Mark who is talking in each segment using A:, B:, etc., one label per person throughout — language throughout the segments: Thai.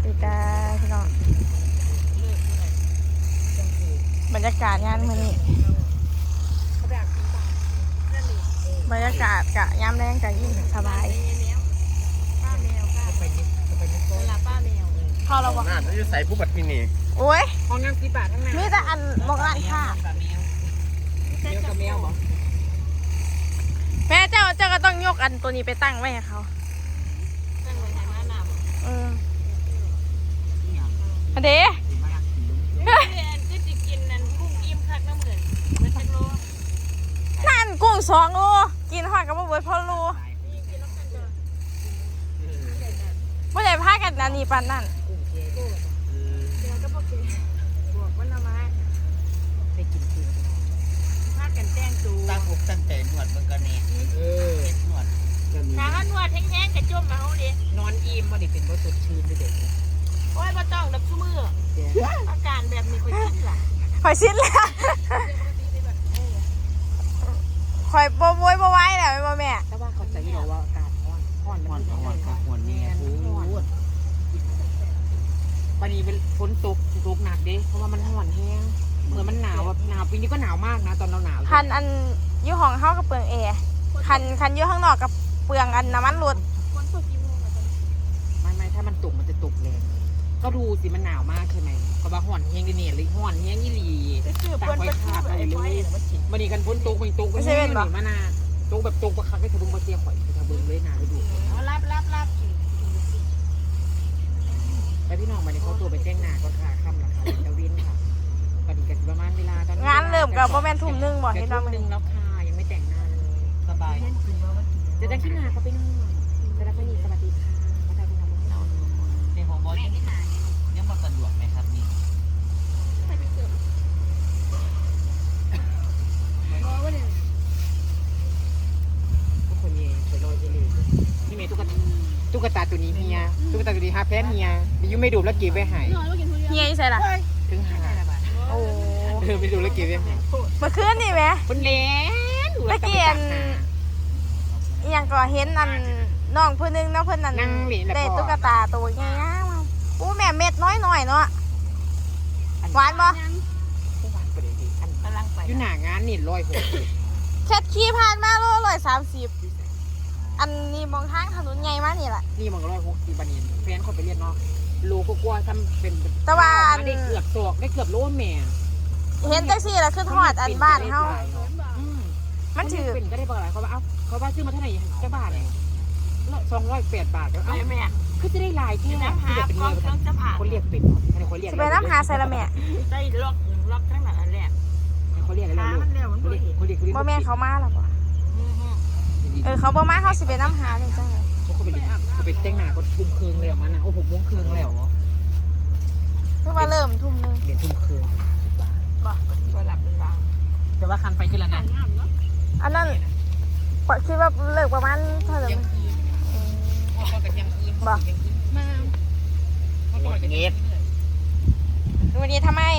A: ดีจ้าพี่น้องบรรยากาศงานมื้อนี้บรรยากาศกะยามแรงกะยิ่งสบาย
B: ป้าแมวป้าเข้าเราบอก
C: น่าจะใส่ผู้บัตรที่นี่
A: โอ้ย
B: ห้องน้ำกี่บาททั้งนั้น
A: มีแต่อันบอกร้านค่ะ
B: แมวกับแมวบอก
A: แม่เจ้าก็ต้องยกอันตัวนี้ไปตั้งไว้ให้เขา
B: ตั้งไว้ไหนมาหนาบอก
A: อันเด้
B: ก็จะกินนั่นกุ้งอิ่มคักน้ำเหมือนมันจะโล
A: นั่นกุ้ง2 โลกินหอดกับบ่เบิดพอโลบ่ได้พากันอันนี้ปานนั้น
B: เดี๋ยวก็บอกเบวกวันละไม้ไปกินเกลือพากันแต่งตัว
D: ตั้งอกตั้งใจนวดเบิ่งกันนี่นวด
B: ถ้าเขานวดแห้งๆกระจุ่มมาเขาดินอนอิ่มบ่ได้เป็นบ่สดชื่นเด็กโอ้ยบ่ต้องดับชั่วมืออาการแบบนี้ค่อยคิดล่ะ
A: ข่อยสิ้นแล้วข่อยบ่โวยบ่ไหวแล้วแม่แม่
B: แต่ว่าเขาจะบอกว่าอากาศร้อน
D: นี่พูด
B: วันนี้เป็นฝนตกหนักเด้เพราะว่ามันร้อนแห้งเหมือนมันหนาวแบบหนาวปีนี้ก็หนาวมากนะตอนเราหนาว
A: คันอันอยู่ห้องเฮากับเปลืองแอร์คันอยู่ข้างนอกกับเปลืองอันน้ำมันรถ
B: ไม่ถ้ามันตกมันจะตกแรงก็ดูสิมันหนาวมากใช่ไหมก็ว่าร้อนแห้งดิเนี่ยเลยร้อนแห้งยี่หลีตาไว้ขาดอะไรเลยวันนี้กันฝนตกมันตกก็แห้งมานาตกแบบตกประคับให้ทะลุมาเตียข่อยทะเบิ้งเลยนาไปดูรับแล้วพี่น้องวันนี้เขาตัวไปแจ้งหนาก็ค่ะค่ำราคาจะวินค่ะวันนี้กันประมาณเวลาตอน
A: งานเริ่มกับบ่แม่นทุ่มนึงบ่เฮ็ด
B: ทุ่
A: เนาะ
B: ม
A: มื้อ
B: นึ
A: นี้
B: งแล้วค่ะยังไม่แต่งหน้าเลยสบายจะได้ขี้หนาเขาไปนอนจะได้พนีสวัสดีค่ะมาได้เป็นน้องน้อง
D: ในของบอสยังมาสะดวกไหมครับนี่
B: ทุกคนเย่สวยลอยเจลีนี่เมย์ตุ๊กตาตัวนี้เฮียตุ๊กตาตัวนี้ฮาแพนเฮียดิยูไม่ดูแล้วเก็บไว้หาย
A: เฮียอยู่ไสล่ะ
B: ถึงหา
A: โอ้
B: ไม่ดูแล้วเก็บไว้หาย
A: เมื่อคืนนี่แหม
B: คนเล่น
A: ตะเกียนอีหยังก็เห็นอันน้องผู้นึงเนาะเพิ่นนั่นได้ตุ๊กตาตัวใหญ่ๆอู้แม่เม็ดน้อยๆเนาะหวานบ่
B: หวานประเดี๋ยวอันกำลังไปอยู่หน้างานนี่160
A: แค่ขี่ผ่านมาโล130อันนี้มองทางถนนใหญ่มานี่แหละ
B: นี่มัน160บันนี้แฟนเขาไปเรียนเนาะโลก็กลัวทำเป็นได้เกือบศอกได้เกือบโลแม่
A: เห็นจังซี่ล่ะคือทอดอันบ้านเฮามันถือ
B: เป็นก็ได้บอกอะไรเขาว่าเขาว่าซื้อมาเท่าไหร่เจ้าบาทเนี่ย208 บาทแล้วแม่คือจะได้ลายที่น้ำหาพร้อมทั้งจะผ่าคนเรียกเป็นคนเรียก
A: สิไปน้ำหาใส่ละแม่
B: ได้ล็อกทั้งหลังอันแรกเขาเรียกอะไรลูกเขาเรียก
A: บ่แม่นเขามาแล้วบ่เขาบ่มาเขาสิไปน้ำหาเลยจัง
B: เขาไปเต้งหน้าก็ทุ่มคืนเลยมันนะโอ้6 โมงครึ่งแล้ว
A: คือว่าเริ่มทุ่มนึง
B: เรียนทุ่มคืนบ่ก็หลับเป็นบางแต่ว่าคันไปขึ้นแล้วนะ
A: อันนั้นคิดว่าเลิกประมาณเท่าไหร่ บ่
D: เงี้ย
A: วันนี้ทำไม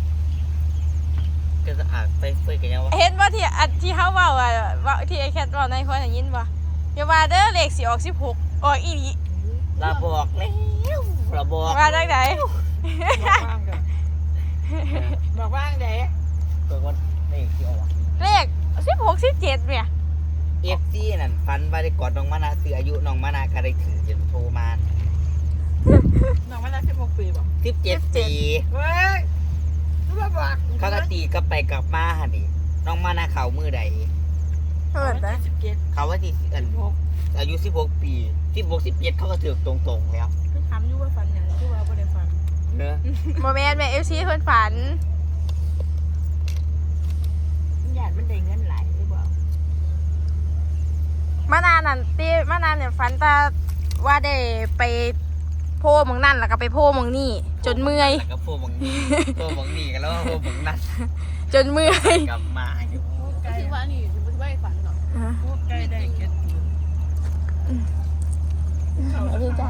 D: ก็จะอาจไปเฟยกันยังวะ
A: เห็นว่าที่เขาเว้าอ่ะว่าที่ไอ้แคทเว้าในคนได้ยินบ่อย่าว่าเด้อเลขสิออก16ออกอีหลี
D: เราบอกแล้วเราบอก
A: ว่าจังได๋
B: บอกว่างเด้
D: เกิดวันนี่ที่ออก
A: เลข16 17เนี่ย
D: FC นั่นฟันว่าได้กอดน้องมานาซื้ออายุน้องมานาก็ได้ถือจนโทรมา
B: น้องมันได้16 ปีบ่
D: 17 ปี
B: เฮ้ยรู้ป่ะ
D: เขาก็ตีกลับไปกลับมาหั่นดิน้องมานาเขามือใด
A: เพิ่นนะ
D: เขาว่าที่อายุ16 ปี16 17เขาก็ถือตรงๆแล้ว
B: คือถามอยู่ว่าฟันยังคือว่าบ่ได้ฟัน
D: เนอะ
A: บ่แม่นแม่ FC เพิ่นฝัน
B: ญาติมันได้เงินหลายหรือเปล่าม
A: านานนั่นติมานานเนี่ยฝันแต่ว่าได้ไปโพหมองนั่นแล้วก็ไปโพหมองนี่จนเมื่อย
D: แล้วก็พวกมึงนี่กันแล้วพวกมึงนั่น
A: จนเมื่อย
D: กลับมาอยู่
B: คือว่านี่สิบ่ได้ฝันหรอกพวกไก่ได้เก็ด
A: ดีจ้า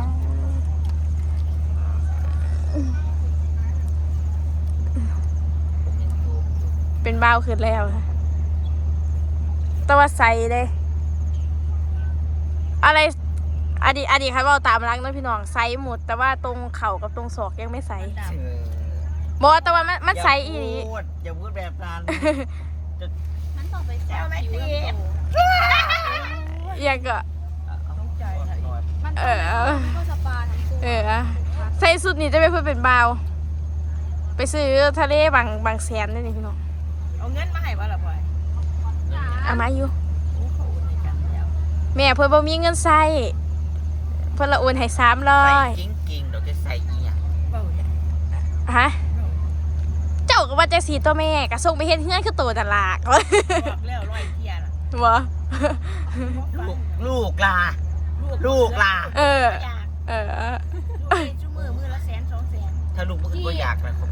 A: เป็นบ้าวขึ้นแล้วค่ะแต่ว่าใส่เลยอะไรอดีตค่ะว่าตามรักน้องพี่น้องไซส์หมดแต่ว่าตรงเข่ากับตรงศอกยังไม่ไซส์
D: เออ
A: บอกแต่ว่ามันไซส์อีนี้
D: อย่าพูดแบบนั้น
C: มันต้องไปแซวผิวลำตัว
A: อย่างก็
C: ต้องใจมัน
A: เออ
C: ก็สปาทั้งตัว
A: ใส่สุดนี่จะไปเพื่อเป็นบ่าวไปซื้อทะเลบางแสนนี่พี่น้อง
C: เอาเงินมาให้บ่ล่ะพ่อย
A: เอามาอยู่
C: โอ้เขาอุ่นในกันแล้ว
A: แม่เพื่อนบ่มีเงินใส่เพื่อนละโอนให้300
D: ใส่กิ้งๆเดี๋ยวจะใส่อีหยัง
C: เบ้าเนี่ย
A: ฮะเจ้าก็ว่าจะสีตัวแม่ก็ส่งไปเฮ็ดเฮือนคือตัวนั่นล่ะ
C: บอกแล้วร้อยเที่ยน่ะ
A: บ่
D: ลูกลาลูกลา
A: เออ
C: อยาก
A: เออ
C: ลูกจุมือละ100,000 200,000
D: ถ้าลูกมึงก็อยากนะครับ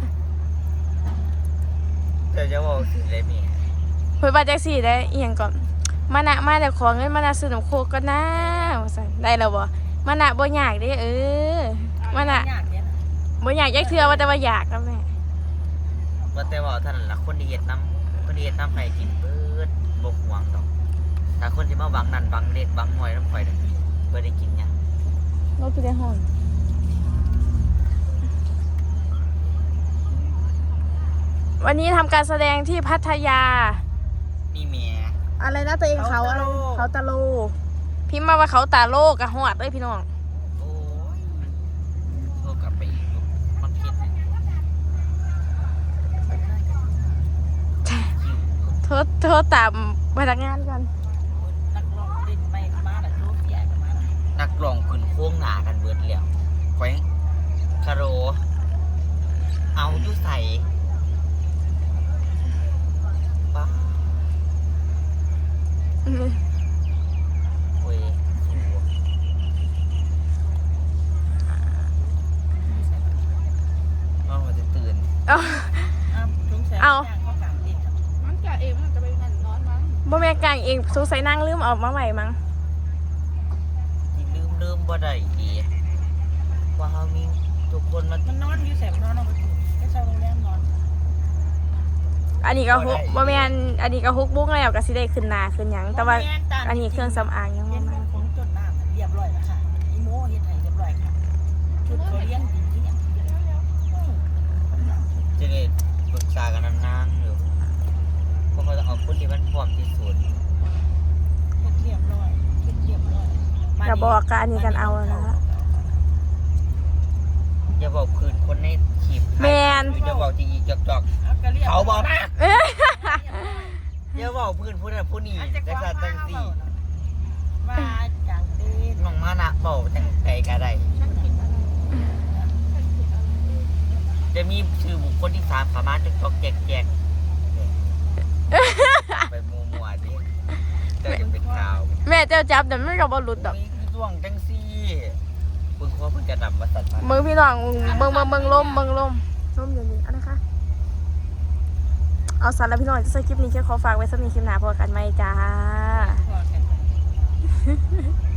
D: จะบอกสิเลยแม่
A: เพื่อนว่าจังซี่ได้อีหยังก่อนมานะมาแต่ขอเงินมานะซื้อน้ำโคกก็นะว่าซั่นได้แล้วบ่มานะบ่อยากเด้มานะ
C: อยากเนี่ยนะ
A: บ่อยากยักเทื่อว่าแต่ว่าอยากนะแม่
D: ว่าแต่ว่าท่านละคนดีเฮ็ดน้ำให้กินเบิดบ่ห่วงดอกถ้าคนที่มาหวังนั่นหวังเล็ดหวังหน่อยน้ำข่อยนั่นบ่ได้กินหยัง
A: เราคือได้ห้องวันนี้ทำการแสดงที่พัทยา
D: นี่แม่
A: อะไรนะตัวเองเขาอะไรเขาตาโลพิมพ์มาว่าเขาตาโลกะหอดเลยพี่น้อง
D: โอ้ยโทรกลับไปอีกลูกมันผิดนะ
A: โทษตามพนักงานกัน
C: นักร้องดินไปมาล่ะโลกใหญ่มาล่ะ
D: นักร้องขึ้นโค้งหนากันเบิดแล้วแขวงคาโร เอาอยู่ใส่ป้าโอ้ยสูนอนหัวจะตื่น
A: เอา
C: ทุกแสน
A: เอา
C: ย่างเข้ากลางดินครับ
E: มันจะเองมันจะไปนั่นนอนมั้ง
A: บ่แม่กลางเองสงสัยนั่งลืมเอามาไหวมั้ง
D: ที่ลืมบ่ได้ดีว่าเฮามีทุกคนมา
C: มันนอนอยู่แสบนอนเอาไปถูกไปเช่าโรงแรมนอน
A: อันนี้ก็ฮุกบ่แม่นอันนี้ก็ฮุกบุ้งแล้วก็สิได้ขึ้นหน้าขึ้นหยังแต่ว่า
C: บ่ม่ตม
A: อันนี้เครื่องสำอางยัง
C: เห็
A: บ่
C: น
A: มา
C: ว่าผมจดน้ำเรียบร้อยแล้วค่ะอีโมเฮ็ดให้เรียบร้อยค่ะชุดเขาเลี้ยงดินที่เนี่ย
D: จะได้ปรึกษากันนานๆอยู่เพราะเขาจะเอาคนที่มันพร้อมที่สุด
C: เฮ็ดเรียบร้อยเฮ็ดเรียบร้อย
A: ก็บอกกันอันนี้กันเอาแล้วนะ
D: อย่าบอกคืนคนในขีบ
A: แมน
D: อย่าบอกจีจอก
C: เอาก็เรียบ
D: เขาบอกนะ
A: เอ้ย
D: อย่าบอกพื้นผู้นั้นผู้นี้แต่ซาตั้งสี่
C: ว่าจังเต้น
D: น้องมานะบอกจังไก่ก็ได้
E: ฉันผิดอะไรฉันผิดอะไร
D: จะมีชื่อบุคคลที่สามสามารถจอกแจกไปมัวๆดิเจ้าจะเป็นข่าว
A: แม่เจ้าจับแต่มันก็บ่หลุดดอก
D: มีช่วงจังซี่เพิ่งว่าเพิ่งจะนำมาสัตว์
A: มึงพี่น้องมึงล่มล่มอยู่นี่อันนะคะเอาสารแล้วพี่น้องจะใส่คลิปนี้แค่ขอฝากไว้สักนิดคลิปหน้าพอกันไหมจ้า
C: พอกัน